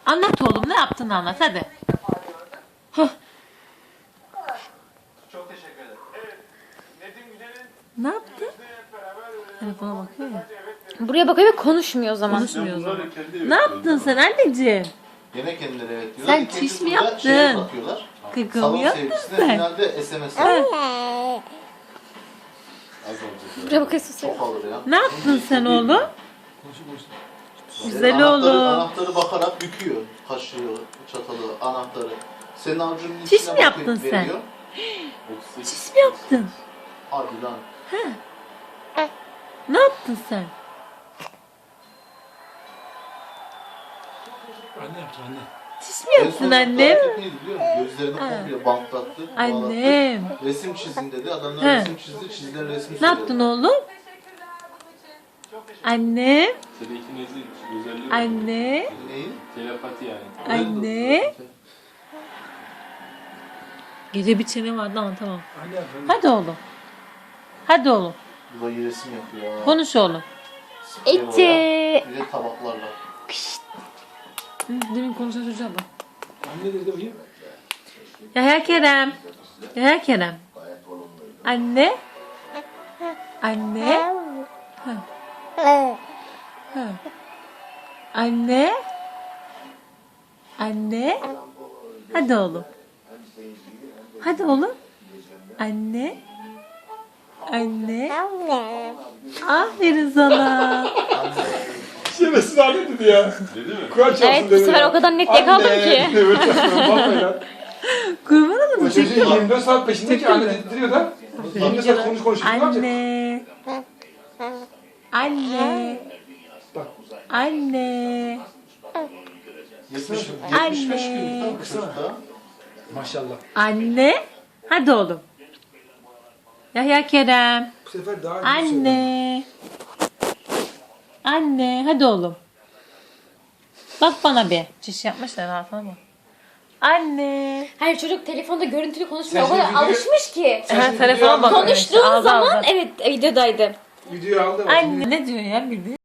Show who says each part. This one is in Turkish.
Speaker 1: Anlat oğlum, ne yaptığını anlat hadi. Hah.
Speaker 2: Çok teşekkür ederim. Evet. Nedim Güzel'in
Speaker 1: Ne yaptı?
Speaker 2: hep beraber
Speaker 1: Telefona bakıyor ya.
Speaker 3: Buraya bakıyor ve konuşmuyor o zaman.
Speaker 1: Konuşmuyor o zaman. Ne yaptın sen anneciğim?
Speaker 4: Gene kendileri evet diyor.
Speaker 1: Sen
Speaker 4: İkinci
Speaker 1: çiş mi
Speaker 4: turda
Speaker 1: yaptın?
Speaker 4: şeye bakıyorlar.
Speaker 1: Kıkı
Speaker 4: Salon
Speaker 1: mı yaptın
Speaker 4: sevgisine
Speaker 1: sen?
Speaker 4: finalde SMS.
Speaker 1: Ha.
Speaker 4: Az olacak.
Speaker 3: Buraya bakıyorsun.
Speaker 4: Çok alır ya.
Speaker 1: Ne yaptın sen oğlum? Güzel
Speaker 4: Anahtarı,
Speaker 1: oğlum.
Speaker 4: anahtarı bakarak büküyor. Kaşığı, çatalı, anahtarı. Senin avucunun
Speaker 1: Çiş
Speaker 4: içine
Speaker 1: mi yaptın
Speaker 4: bakıp
Speaker 1: sen?
Speaker 4: veriyor.
Speaker 1: Çiş mi yaptın?
Speaker 4: Hadi lan.
Speaker 1: Ne yaptın sen?
Speaker 5: Anne yaptı anne.
Speaker 1: Çiş mi
Speaker 4: En
Speaker 1: yaptın
Speaker 4: son
Speaker 1: annem?
Speaker 4: hareket neydi biliyor musun? Gözlerini komple bantlattı.
Speaker 1: Annem.
Speaker 4: bağlattı. Resim çizin dedi. Adamlar
Speaker 1: He.
Speaker 4: resim çizdi. Çizilen resmi
Speaker 1: Ne yaptın oğlum? Annem.
Speaker 6: Telekinezi özelliği var.
Speaker 1: Anne.
Speaker 4: Neyi?
Speaker 6: Telepati yani.
Speaker 1: Anne. Gece bir çene vardı ama tamam.
Speaker 5: Anne yaptı anne.
Speaker 1: Hadi oğlum. Hadi oğlum.
Speaker 4: Bu da iyi resim yapıyor ya.
Speaker 1: Konuş oğlum.
Speaker 4: Sprey
Speaker 3: Ece.
Speaker 4: boya, bir de tabaklarla.
Speaker 1: Hı, demin konuşan çocuğa bak.
Speaker 5: Anne dedi bakayım.
Speaker 1: Yahya Kerem. Yahya Kerem. Anne. Anne. Ha. Ha. Anne. Anne. Hadi oğlum. Hadi oğlum. Anne. Anne. Aferin sana.
Speaker 5: Şerefsiz anne dedi ya.
Speaker 6: Dedi mi?
Speaker 5: Kur'an çarpsın
Speaker 3: Evet bu
Speaker 5: dedi
Speaker 3: sefer
Speaker 5: ya.
Speaker 3: o kadar net yakaladım ki.
Speaker 5: Anne. Böyle çarpsın. Vallahi lan.
Speaker 1: Kurban
Speaker 5: O
Speaker 1: olayım.
Speaker 5: çocuğun
Speaker 1: Çekiyor.
Speaker 5: 24 saat peşinde ki anne dedirtiyor da. 24 saat konuş. Ne yapacak?
Speaker 1: Anne. Anne.
Speaker 5: Bak.
Speaker 1: Anne.
Speaker 4: 75
Speaker 1: Anne.
Speaker 4: gün çocukta.
Speaker 5: Maşallah.
Speaker 1: Anne. Hadi oğlum. Yahya Kerem.
Speaker 5: Bu sefer daha iyi söyledi.
Speaker 1: Anne. Anne. Hadi oğlum. Bak bana bir. Çiş yapmışlar altına bak. Anne.
Speaker 3: Hayır çocuk telefonda görüntülü konuşmuyor. O
Speaker 5: Sen
Speaker 3: kadar
Speaker 5: şimdi video-
Speaker 3: alışmış ki.
Speaker 5: Sen şimdi
Speaker 1: telefona
Speaker 5: videoyu
Speaker 1: bak.
Speaker 5: aldın mı?
Speaker 3: Konuştuğun
Speaker 1: Aldı,
Speaker 3: zaman
Speaker 1: aldı.
Speaker 3: evet videodaydı.
Speaker 5: Videoyu aldı mı?
Speaker 1: Anne. Ne diyor ya bildi?